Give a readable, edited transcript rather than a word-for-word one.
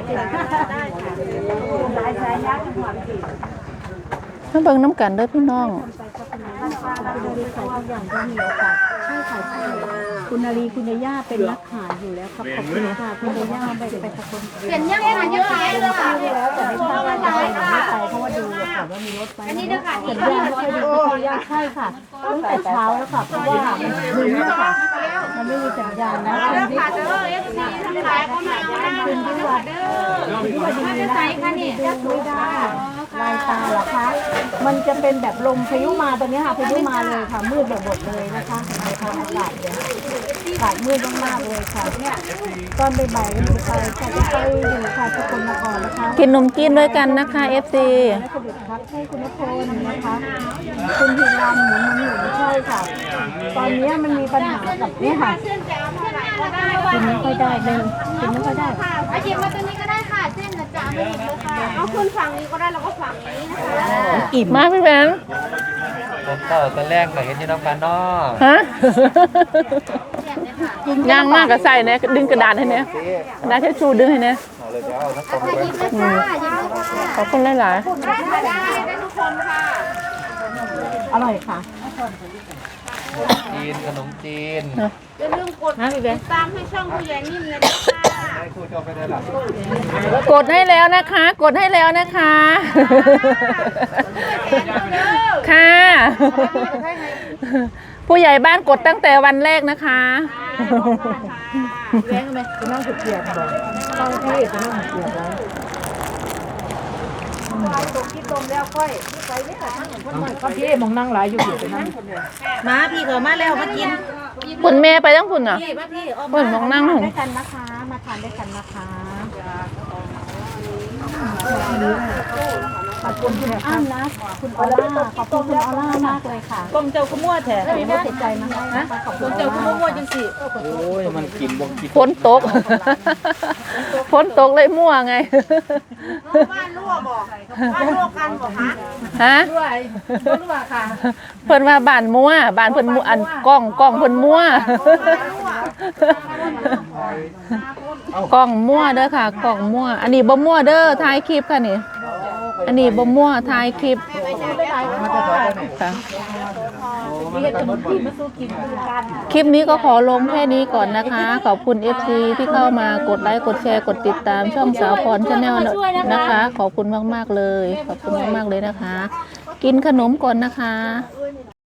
มาเบิ่งน้ำกันเด้อพี่น้องคุณนารีคุณย่าเป็นนักขายอยู่แล้วครับขอบคุณค่ะคุณย่าไปสักคนเปลี่ยนยังไงเยอะเลยค่ะแล้วแต่ไม่ทราบว่าจะไปไหนไม่ไปเพราะว่าดูก่อนว่ามีรถไปอันนี้ด้วยค่ะสัญญาณไม่ค่อยดีคุณย่าใช่ค่ะตั้งแต่เช้าแล้วค่ะเพราะว่ามันดึงค่ะมันไม่มีสัญญาณนะคุณที่ทั้งหลายก็มาคุณที่วัดที่วัดดีนะไม่ได้ลายตาเหรอคะมันจะเป็นแบบลมพายุมาตอนนี้ค่ะพายุมาเลยค่ะมืดแบบหมดเลยนะคะในทางอากาศเนี่ยอากาศมืดมากๆเลยค่ะเนี่ยตอนบ่ายๆก็จะไปอยู่ค่ะสกลนครนะคะกินนมจีนด้วยกันนะคะ FC และสดุดครับให้คุณนพลนะคะคุณพิรามหมุนใช่ค่ะตอนนี้มันมีปัญหากับนี่ค่ะกินไม่ค่อยได้เลยกินไม่ค่อยได้อาหยิบมาตัวนี้ก็ได้ค่ะเส้นจะไม่หยิบเลยค่ะเอาขึ้นฝั่งนี้ก็ได้แล้วก็ฝั่งนี้นะคะอิ่มมากพี่แบงค์ตอนแรกก็เห็นที่น้ำกันเนาะฮะย่างมากกับใส่เนี่ยดึงกระดาษให้เนี่ยกระดาษทิชชู่ดึงให้เนี่ยขอบคุณหลายๆได้ทุกคนค่ะอร่อยค่ะจีนขนมจีนอย่าลืมกดติดตามให้ช่องผู้ใหญ่นิ่มเลยนะคะกดให้แล้วนะคะกดให้แล้วนะคะค่ะผู้ใหญ่บ้านกดตั้งแต่วันแรกนะคะแย้งไหมจะนั่งเกียบบอกต้องที่จะนั่งเกียบแล้วตกที่ตมแล้วค่อยไปไม่หลังก็พี่มองนั่งหลายอยู่อยู่นั่งมาพี่ก็มาแล้วมากินคุณแม่ไปตั้งคุณอ่ะพี่คุณมองนั่งหงด้วยกันนะคะมาทานด้วยกันนะคะขอบคุณคุณอ้ำนะคุณออล่าขอบคุณคุณออล่ามากเลยค่ะกลมเจ้าขมวดแท้ไม่ได้ติดใจมาให้นะคะขอบคุณเจ้าขมวดจังสิโอ้ยมันกินบ่กินฝนตกฝนตกเลยมั่วไงบ้านรั่วบอกบ้านรั่วกันบอกฮะรั่วค่ะเพิ่นว่าบ้านมั่วบ้านเพิ่นอันกล้องเพิ่นมั่วกล้องมั่วเด้อค่ะกล้องมั่วอันนี้บ่มั่วเด้อถ่ายคลิปค่ะนี่อันนี้บ่มั่วถ่ายคลิปค่ะคลิปนี้ก็ขอลงแค่นี้ก่อนนะคะขอบคุณ FC ที่เข้ามากดไลค์กดแชร์กดติดตามช่องสาวพรชาแนลนะคะขอบคุณมากๆเลยขอบคุณมากๆเลยนะคะกินขนมก่อนนะคะ